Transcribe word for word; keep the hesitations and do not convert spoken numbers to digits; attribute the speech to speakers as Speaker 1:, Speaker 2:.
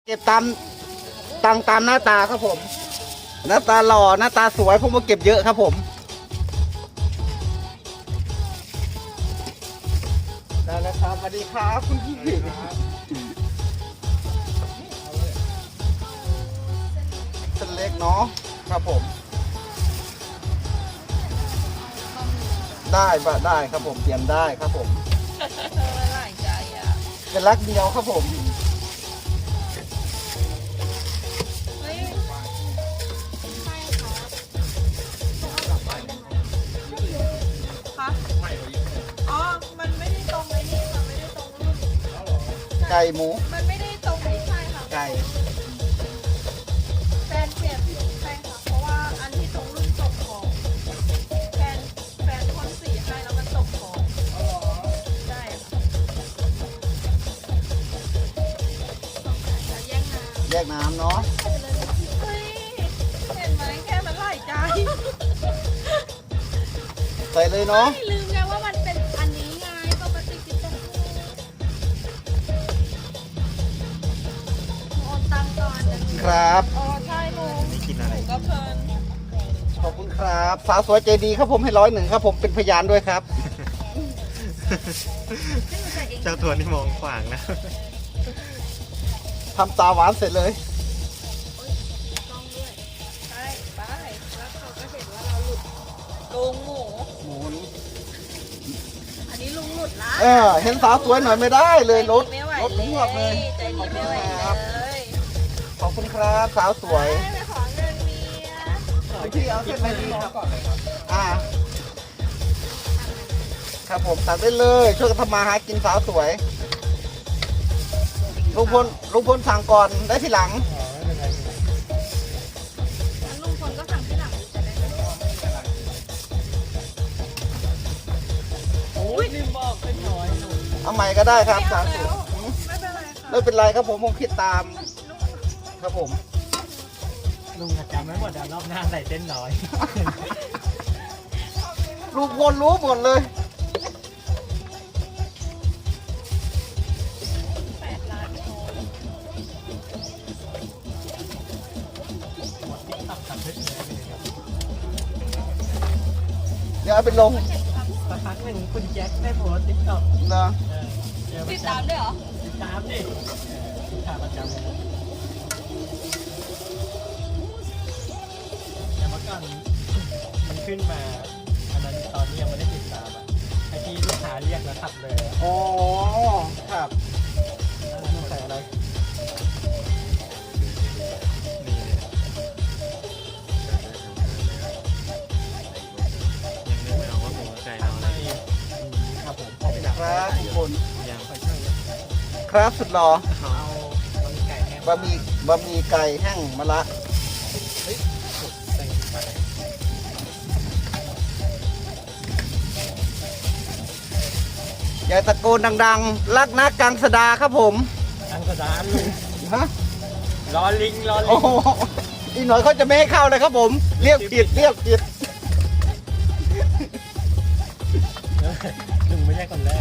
Speaker 1: เก็บตามตังตามหน้าตาครับผมหน้าตาหล่อหน้าตาสวยผมมาเก็บเยอะครับผมได้แล้วครับสวัสดีครับคุณพี่เส้นเล็กเนาะครับผมได้ปะได้ครับผมเปลี่ยนได้ครับผม
Speaker 2: หลายใจอ่ะ
Speaker 1: เป็นรักเดียวครับผม
Speaker 2: เฮ้ยใช่ค่ะอ๋อ มันไม่ได้ตรงไอ้นี่ค่ะไม่ได้ตรงรุ่น
Speaker 1: ไก่หมู
Speaker 2: มันไม่ได้ตรงไม่ใช่ค่ะ
Speaker 1: ไก่
Speaker 2: แฟนเปลี่ยนใช่ค่ะ เพราะว่าอันที่ตรงรุ่นตกของแฟนแฟนคนสีให้แล้วมันตกของใช่ค่ะแยกน้ำ
Speaker 1: แยกน้ำเนาะ
Speaker 2: เฮ้ยเห็นไหมแค่มันหลายใจ
Speaker 1: ใส่เลยเนาะ
Speaker 2: ไม่ลืมไงว่ามันเป็นอันนี้ไงปกติกินแต่โอนตังก่อนนะครับ อ๋อใช่ลุงนี่กินอะไรก็เพลิน
Speaker 1: ขอบคุณครับสาวสวยใจดีครับผมให้ร้อยหนึ่งครับผมเป็นพยานด้วยครับ
Speaker 3: เจ้าตัวนี่มองขวางนะ
Speaker 1: ทำตาหวานเสร็จเลย
Speaker 2: ต้องด้วยใช่ไปแล้วเขาก็เห็นว่าเราหลุดลุงหมู
Speaker 1: หมู
Speaker 2: อันนี้ลุงหลุดละ
Speaker 1: เออเห็นสาวสวยหน่อยไม่ได้เลยรถ
Speaker 2: ไม่ไหว
Speaker 1: รถหวบเลย
Speaker 2: ใจดีไม่ไหวเลย
Speaker 1: ขอบคุณครับสาวสวย
Speaker 2: ไปขอเงินเมีย
Speaker 1: พี่เอาเส้นไหนดีครับอ่าครับผมตัดได้เลยช่วยกันทำมาหากินสาวสวยลุงพลลุงพลสั่งก่อนได้ทีหลัง
Speaker 2: งั้นลุงพลก็สั่งที่หลังจะได้ไม่ต้อง
Speaker 3: โอ้ยลืมบอกเป็นน้อยหนู
Speaker 1: เอาใหม่ก็ได้ครับ
Speaker 2: ไม่
Speaker 1: สา
Speaker 2: เอา
Speaker 1: วส
Speaker 2: แล้ว วย ไม่เป็นไรค่ะ
Speaker 1: ไม่เป็นไรครับผมผมคิดตามครับผม
Speaker 3: ลุงจำไม่หมดแล้วรอบหน้าใส่เส้นน้อย
Speaker 1: ลุงพลรู้หมดเลย
Speaker 2: แปดล้านโชว์
Speaker 1: เดี๋ยวเอาไปลง
Speaker 3: สักพักหนึ่งคุณแจ็คได้โพสติ๊กต็อก
Speaker 1: นะ
Speaker 2: ติดตามด้วยเหรอ
Speaker 3: ติดตามดิติดตามประจำเลยแต่เมื่อก่อนมันขึ้นมาอันนั้นตอนนี้ยังไม่ได้ติดตามอ่ะไอที่ลูกค้าเรียกแล้วขับเลยอะ
Speaker 1: อ๋อครับ
Speaker 3: ต้องใส่อะไร
Speaker 4: ยังนึกไม่ออกว่าหมูไก่เอาอะไร
Speaker 1: ครับผมขอบคุณครับทุกคน
Speaker 4: ยัง
Speaker 1: ครับสุดหล่อ
Speaker 3: เอาบะหมี่ไก่แห้ง
Speaker 1: บะหมี่บะหมี่ไก่แห้งมะละ
Speaker 3: ใส่ไป
Speaker 1: อย่าตะโกนดังๆ รักนะกังสดาครับผม
Speaker 3: ทางกระดานลุง
Speaker 1: ฮะ
Speaker 3: รอลิงรอลิ
Speaker 1: โอ้
Speaker 3: ง
Speaker 1: โหอีกหน่อยเขาจะไม่ให้เข้าเลยครับผม เรียกผิดเรียกผิด
Speaker 3: ลุงไม่ใช่คนแรก